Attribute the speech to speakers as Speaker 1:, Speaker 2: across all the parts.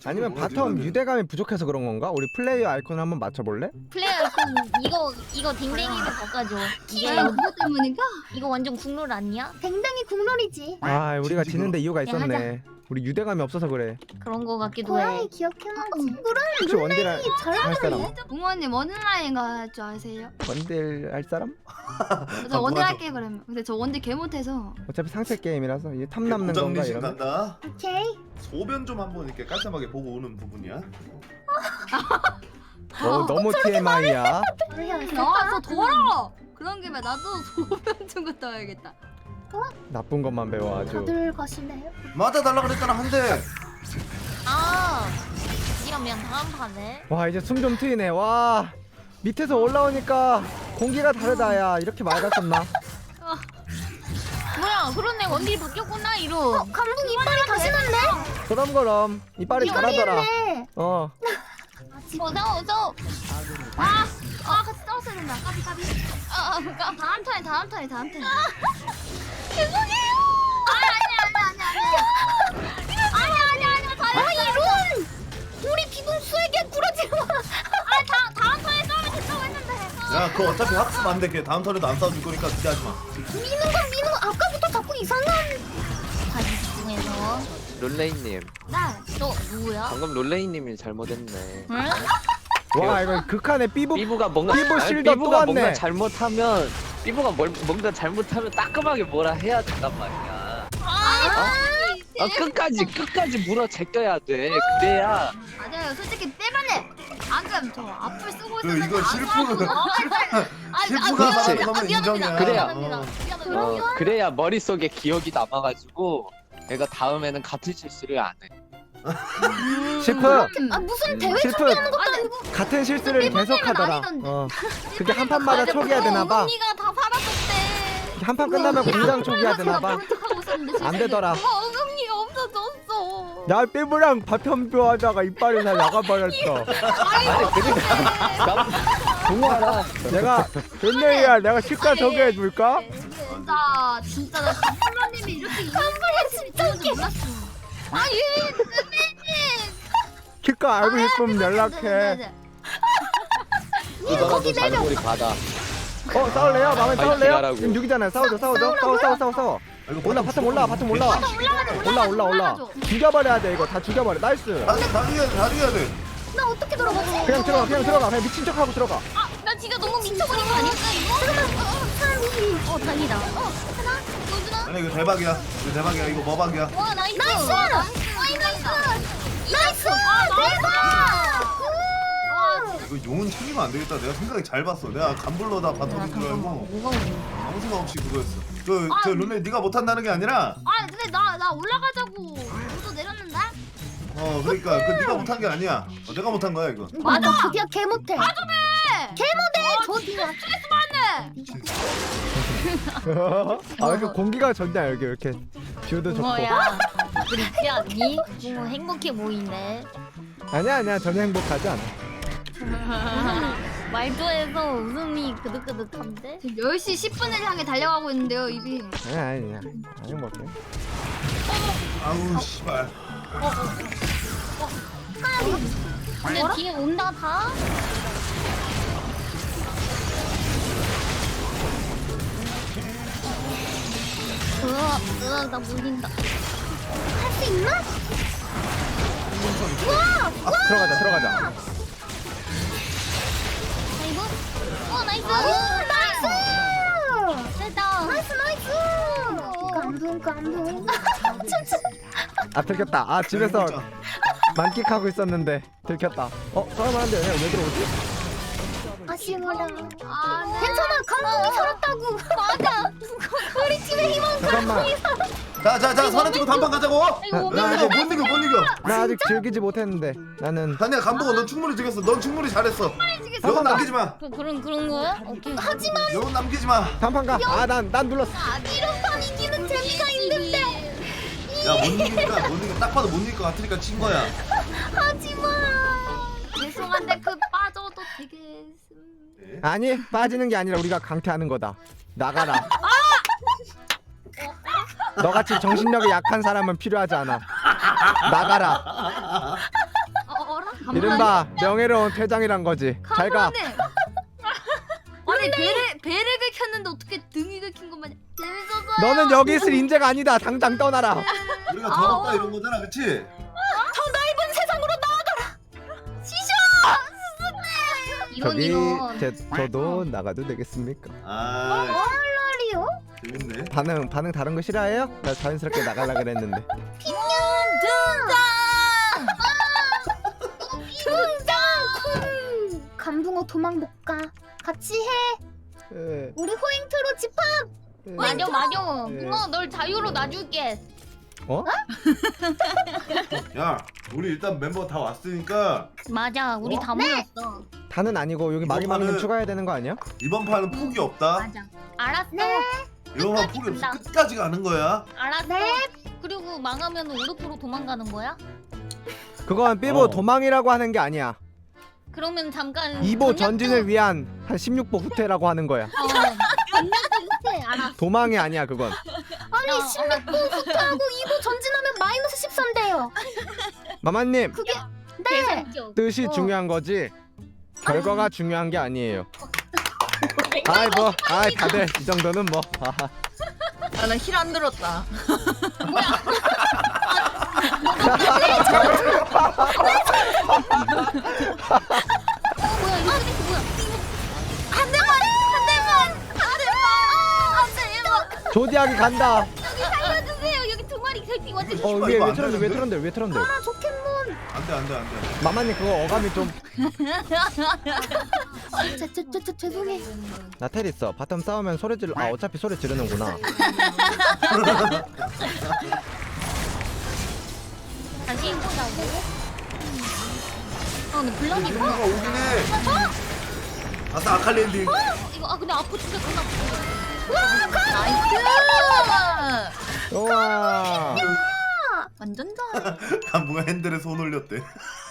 Speaker 1: 아니면 바텀 유대감이 부족해서 그런 건가? 우리 플레이어 아이콘을 한번 맞춰볼래?
Speaker 2: 플레이어 아이콘 이거 댕댕이를 바꿔줘. 이게
Speaker 3: 이거 때문인가?
Speaker 2: 이거 완전 국룰 아니야?
Speaker 3: 댕댕이 국룰이지.
Speaker 1: 아 우리가
Speaker 4: 진짜
Speaker 1: 지는데 이유가
Speaker 2: 야,
Speaker 1: 있었네. 우리 유대감이 없어서 그래.
Speaker 2: 그런 거 같기도 해.
Speaker 3: 고양이 기억해놔지.
Speaker 1: 혹시 원딜 할 사람?
Speaker 3: 붕어님 원라인 할 줄 아세요?
Speaker 1: 원딜 할 사람?
Speaker 3: 저 원딜 할게 그러면. 근데 저 원딜 개 못해서.
Speaker 1: 어차피 상체 게임이라서 이게 탐 남는 건가
Speaker 4: 부장리신
Speaker 1: 이러면?
Speaker 4: 간다.
Speaker 3: 오케이.
Speaker 4: 소변 좀 한번 이렇게 깔끔하게 보고 오는 부분이야.
Speaker 1: 너무 TMI야.
Speaker 3: 아저 더러워. 그런 김에 나도 소변 좀 갔다 와야겠다.
Speaker 1: 나쁜 것만 배워 아주.
Speaker 3: 다들 가시네요.
Speaker 4: 맞아 달라 그랬잖아 한 대.
Speaker 2: 아, 이러면 다음 판에.
Speaker 1: 와 이제 숨 좀 트이네. 와 밑에서 올라오니까 공기가 다르다. 야 이렇게 맑았었나?
Speaker 2: 뭐야? 그러네 원딜이 바뀌었구나 이로.
Speaker 3: 감독 이빨이 가시는데?
Speaker 1: 그럼 이빨이 잘하더라. 어.
Speaker 2: 어서.
Speaker 3: 아 같이 싸웠어야 된다. 까비. 다음 턴에.
Speaker 2: 죄송해요. 아니야. 다행이야.
Speaker 3: 이런! 우리 비동수에게 구라지 마!
Speaker 2: 다음 판에 싸우면 된다고 했는데.
Speaker 4: 야 그거 어차피 학습 안 돼. 다음 턴에도 안 싸워줄 거니까 기대하지 마.
Speaker 3: 미는 거 아까부터 자꾸 이상한
Speaker 2: 다시 집중해서.
Speaker 5: 롤레이님
Speaker 2: 너 누구야?
Speaker 5: 방금 롤레이님이 잘못했네.
Speaker 2: 응?
Speaker 1: 와 이거 극한의 삐부.
Speaker 5: 삐부가 뭔가
Speaker 1: 삐부
Speaker 5: 아니,
Speaker 1: 실드 또
Speaker 5: 삐부가
Speaker 1: 왔네.
Speaker 5: 뭔가 잘못하면 삐부가 뭔가 잘못하면 따끔하게 뭐라 해야 된단 말이야. 끝까지 물어 제껴야 돼. 그래야
Speaker 3: 맞아요. 솔직히 빼만해. 방금 저 앞을 쓰고
Speaker 4: 그
Speaker 3: 있었는데
Speaker 4: 이거 실프가
Speaker 5: 그렇지.
Speaker 4: 말하는 거면 인정이야.
Speaker 5: 그래야. 그래야 머릿속에 기억이 남아가지고 내가 다음에는 같은 실수를 안 해.
Speaker 1: 실프
Speaker 3: 무슨 대회
Speaker 1: 실프
Speaker 3: 준비하는 것도 아니고
Speaker 1: 같은 실수를 계속하더라.
Speaker 3: 아니던데.
Speaker 1: 그게 한 판마다 초기화 되나봐.
Speaker 2: 언니가 다 살았었대.
Speaker 1: 한 판 끝나면 공장 초기화 되나봐.
Speaker 3: 하고 있었는데
Speaker 1: 안 되더라.
Speaker 2: 어금니가 없어졌어.
Speaker 1: 야 삐부랑 바텀 하다가 이빨이 다 나가버렸어.
Speaker 5: 아니 그러니까 동화라.
Speaker 1: 내가 웬일이야? 내가 실과 소개해줄까?
Speaker 3: 진짜 나 선배님이 이렇게 이상하게 진짜 몰랐어.
Speaker 1: 실과 알고 싶으면 연락해.
Speaker 5: 이거라도 잔고리 받아.
Speaker 1: 싸울래요? 마음에
Speaker 5: 아이,
Speaker 1: 싸울래요?
Speaker 5: 기다라고.
Speaker 1: 지금 6이잖아요. 싸워. 올라 바텀 올라. 죽여버려야 돼 이거. 다 죽여버려. 나이스.
Speaker 4: 다 죽여야 돼.
Speaker 3: 나 어떻게 들어가지?
Speaker 1: 그냥 들어가. 그냥 미친 척하고 들어가.
Speaker 2: 나 진짜 너무 미쳐버린 거 아닐까 이거? 다행이다. 하나, 노준아.
Speaker 4: 아니 이거 대박이야. 이거 뭐박이야.
Speaker 2: 와 나이스.
Speaker 3: 나이스! 대박!
Speaker 4: 이거 용은 챙기면 안 되겠다. 내가 생각이 잘 봤어. 내가 간불러다 바텀인 줄 알고
Speaker 2: 뭐가 오냐?
Speaker 4: 아무 생각 없이 그거였어. 저 룰레 네가 못한다는 게 아니라
Speaker 3: 근데 나 올라가자고 모두 내렸는데?
Speaker 4: 그러니까 그 네가 못한 게 아니야. 내가 못한 거야 이거.
Speaker 3: 맞아. 드디어 개 못해. 개 못해. 저기야. 스트레스 받네.
Speaker 1: 왜 이렇게 공기가 좋냐 여기 이렇게 뷰도 좋고.
Speaker 2: 뭐야? 그렇지 않니? 뭐 행복해 보이네.
Speaker 1: 아니야 전혀 행복하지 않아.
Speaker 2: 말투에서 웃음이 그득그득한데?
Speaker 3: 지금 10시 10분을 향해 달려가고 있는데요, 입이.
Speaker 1: 아니야 안 행복해.
Speaker 4: 아우 씨발.
Speaker 2: 근데 뒤에 온다 다? 나 물린다.
Speaker 3: 할 수 있나?
Speaker 1: 들어가자.
Speaker 2: 아이고. 나이스.
Speaker 3: 나이스!
Speaker 2: 됐다.
Speaker 3: 나이스! 감동.
Speaker 1: 들켰다. 집에서 만끽하고 있었는데 들켰다. 싸움하는데 왜 들어오지?
Speaker 3: 아쉬워라. 괜찮아, 감동이 살았다고. 맞아. 우리 팀의 희망.
Speaker 1: 잠깐만.
Speaker 4: 자 선에 찍고 단판 가자고. 나 이거 못 이겨.
Speaker 1: 나 아직 즐기지 못했는데 나는
Speaker 4: 아니야 감독아 넌 충분히 죽였어. 넌 충분히 잘했어. 영혼 남기지 마.
Speaker 2: 그런 거야? 오케이.
Speaker 3: 하지만
Speaker 4: 영혼 남기지 마.
Speaker 1: 단판 가. 난 눌렀어.
Speaker 3: 이런 판 이기는 재미가 있는데.
Speaker 4: 야 못 이겨. 딱 봐도 못 이길 것 같으니까 친 거야.
Speaker 3: 하지마. 죄송한데 그 빠져도 되겠음.
Speaker 1: 아니 빠지는 게 아니라 우리가 강퇴하는 거다. 나가라. 너같이 정신력이 약한 사람은 필요하지 않아. 나가라.
Speaker 3: 어라?
Speaker 1: 이른바 명예로운 퇴장이란 거지. 잘 가.
Speaker 3: 아니 배를 긁혔는데 어떻게 등이 긁힌 것만 재밌었어요.
Speaker 1: 너는 여기 있을 인재가 아니다. 당장 떠나라.
Speaker 4: 우리가 더럽다 이런 거잖아, 그치?
Speaker 2: 저 넓은 세상으로 나아가라.
Speaker 3: 이런
Speaker 1: 저기
Speaker 3: 이런.
Speaker 1: 저도 나가도 되겠습니까?
Speaker 4: 아,
Speaker 2: 말이요?
Speaker 4: 재밌네.
Speaker 1: 반응 다른 거 싫어해요? 나 자연스럽게 나가려 그랬는데.
Speaker 2: 등장. 감붕어 도망 못 가. 같이 해.
Speaker 1: 에,
Speaker 2: 우리 호잉트로 집합.
Speaker 1: 에.
Speaker 3: 맞아.
Speaker 1: 네.
Speaker 3: 붕어 널 자유로 놔줄게.
Speaker 1: 어?
Speaker 4: 야, 우리 일단 멤버 다 왔으니까
Speaker 3: 맞아. 우리
Speaker 4: 어?
Speaker 3: 다 모였어.
Speaker 1: 다는 아니고 여기 마지막에는
Speaker 4: 이번판은-
Speaker 1: 추가해야 되는 거 아니야?
Speaker 4: 이번 판은 포기 없다.
Speaker 3: 맞아. 알았어.
Speaker 4: 이번 판
Speaker 3: 끝까지
Speaker 4: 포기 없어.
Speaker 3: 간다.
Speaker 4: 끝까지 가는 거야.
Speaker 3: 알았어.
Speaker 2: 네.
Speaker 3: 그리고 망하면 우르프로 도망가는 거야?
Speaker 1: 그건 삐보
Speaker 4: 어.
Speaker 1: 도망이라고 하는 게 아니야.
Speaker 3: 그러면 잠깐
Speaker 1: 2보 전진을 위한 한 16보 후퇴라고 하는 거야.
Speaker 3: 전략 알았어.
Speaker 1: 도망이 아니야 그건.
Speaker 2: 아니 16분 후퇴하고 2부 전진하면 마이너스 13대요.
Speaker 1: 마마님
Speaker 2: 그게
Speaker 3: 계산적.
Speaker 1: 뜻이
Speaker 2: 어.
Speaker 1: 중요한 거지 결과가 중요한 게 아니에요. 아이 뭐 아이 다들 이 정도는 뭐. 아하.
Speaker 6: 나는 힐 안 들었다.
Speaker 3: 뭐야 이거 쓰레기 뭐야?
Speaker 2: 한 대만.
Speaker 1: 조디하게 간다.
Speaker 3: 여기 살려주세요. 여기 두 마리 갈피 완전.
Speaker 1: 어
Speaker 4: 이거
Speaker 1: 위에
Speaker 4: 안
Speaker 1: 왜 트런들 왜
Speaker 4: 되는데?
Speaker 1: 트런들 왜 트런들.
Speaker 2: 아 조켓몬.
Speaker 4: 안 돼.
Speaker 1: 마마님 그거 어감이 좀.
Speaker 2: 죄송해.
Speaker 1: 나 텔 있어. 바텀 싸우면 소리 지르. 아 어차피 소리 지르는구나.
Speaker 3: 다시 해보자고. 근데 블럭이
Speaker 4: 이거
Speaker 3: 뭐야?
Speaker 4: 오긴 해. 아싸 아칼리 엔딩.
Speaker 3: 이거 근데 아프 진짜 겁나 아프다.
Speaker 6: 나이스.
Speaker 1: 우와.
Speaker 6: 완전 잘.
Speaker 4: 간부가 핸들에 손 올렸대.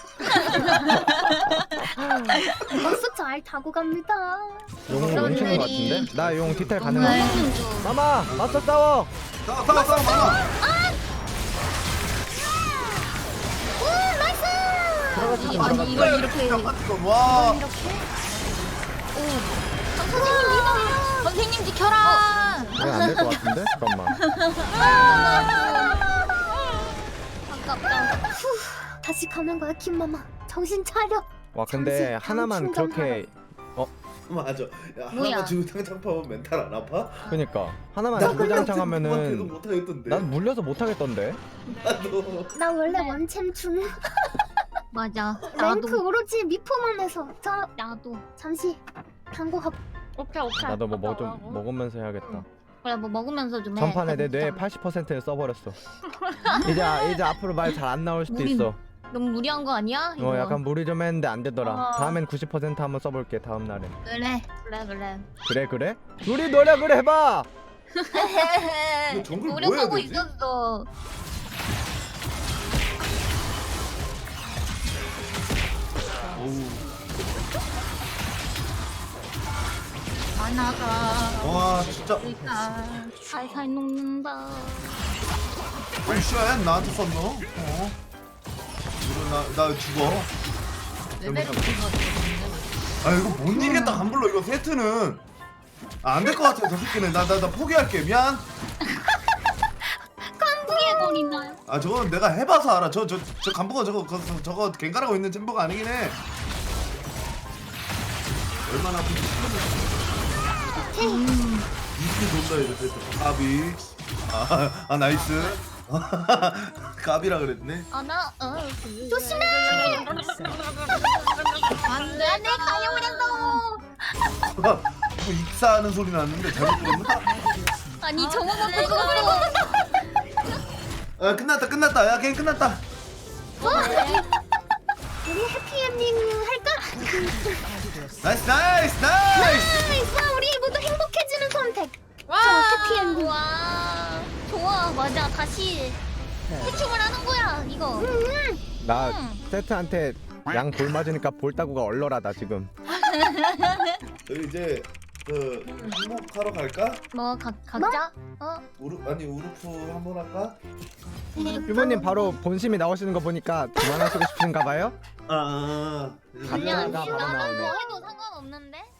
Speaker 2: 버스 잘 타고 갑니다.
Speaker 1: 용 뭉치는 거 같은데? 나 용 디테일 가능한.
Speaker 3: 먹는 중.
Speaker 1: 마마 맞서 싸워.
Speaker 4: 싸워 많아.
Speaker 1: 들어갔지 좀
Speaker 6: 아니
Speaker 1: 들어갔지.
Speaker 6: 이걸 이렇게.
Speaker 4: 와.
Speaker 3: 선생님 믿어.
Speaker 6: 선생님 지켜라.
Speaker 1: 이건 안될 것 같은데? 잠깐만.
Speaker 3: 아깝다.
Speaker 2: 다시 가는 거야 김마마. 정신 차려.
Speaker 1: 와 근데
Speaker 2: 잠시
Speaker 1: 하나만
Speaker 2: 방
Speaker 1: 그렇게
Speaker 4: 맞아. 야
Speaker 3: 뭐야?
Speaker 4: 하나만 주고 탕탕 파면 멘탈 안 아파?
Speaker 1: 그니까 하나만
Speaker 4: 나
Speaker 1: 주구장창
Speaker 4: 계속
Speaker 1: 하면은
Speaker 4: 못하겠던데.
Speaker 1: 난 물려서 못하겠던데.
Speaker 4: 나도.
Speaker 2: 나 원래 원챔 중.
Speaker 3: 맞아.
Speaker 2: 랭크
Speaker 3: 나도.
Speaker 2: 오로지 미포만해서. 자
Speaker 3: 나도.
Speaker 2: 잠시 광고 가.
Speaker 3: 오케이.
Speaker 1: 나도 뭐 좀 먹으면서 해야겠다.
Speaker 3: 그래 뭐 먹으면서 좀 해.
Speaker 1: 전판에 내 뇌의 80%를 써버렸어. 이제 앞으로 말 잘 안 나올 수도
Speaker 3: 우린
Speaker 1: 있어.
Speaker 3: 너무 무리한 거 아니야? 이거?
Speaker 1: 약간 무리 좀 했는데 안 되더라.
Speaker 3: 어.
Speaker 1: 다음엔 90% 한번 써볼게 다음 날에.
Speaker 3: 그래.
Speaker 1: 그래? 우리 노력을 해봐.
Speaker 4: 이거 정글 뭐 해야
Speaker 3: 노력하고
Speaker 4: 되지?
Speaker 3: 있었어.
Speaker 4: 어우.
Speaker 3: 만화가
Speaker 4: 와 진짜.
Speaker 3: 살살 녹는다.
Speaker 4: 오씨야 나한테 썼노? 어? 이거 나 죽어.
Speaker 6: 레벨이 높은 거 같은데.
Speaker 4: 아 이거 못 이기겠다 간불러 이거 세트는. 안 될 것 같아 저 새끼는. 나 포기할게. 미안.
Speaker 3: 피해버린다.
Speaker 4: 아 저건 내가 해봐서 알아. 저 간부가 저거 갱가라고 있는 챔버가 아니긴 해. 얼마나 아픈지 이렇게 돈다 이제 세트. 까비. 아 나이스. 까비라 그랬네.
Speaker 2: 조심해.
Speaker 3: 안돼 내 가려버렸어.
Speaker 4: 뭐 익사하는 소리 났는데 잘못 들었나?
Speaker 3: 아니 저거 먹고 그거.
Speaker 4: 아 끝났다. 야 게임 끝났다.
Speaker 2: 우리 해피엔딩 할까?
Speaker 4: 나이스.
Speaker 2: 나이스. 우리 모두 행복해지는 선택. 저 해피엔딩.
Speaker 3: 와 좋아 맞아 다시 해충을 하는 거야 이거.
Speaker 1: 나 세트한테 양 볼 맞으니까 볼 따구가 얼얼하다 지금.
Speaker 4: 저희 이제 그 행복하러 갈까?
Speaker 3: 뭐 각자?
Speaker 4: 우르프 한번 할까?
Speaker 1: 유모님 바로 본심이 나오시는 거 보니까 그만하시고 싶은가 봐요?
Speaker 4: 아
Speaker 1: 감자가
Speaker 2: 아니야
Speaker 1: 바로
Speaker 2: 나는
Speaker 1: 나오네.
Speaker 2: 뭐 해도 상관없는데.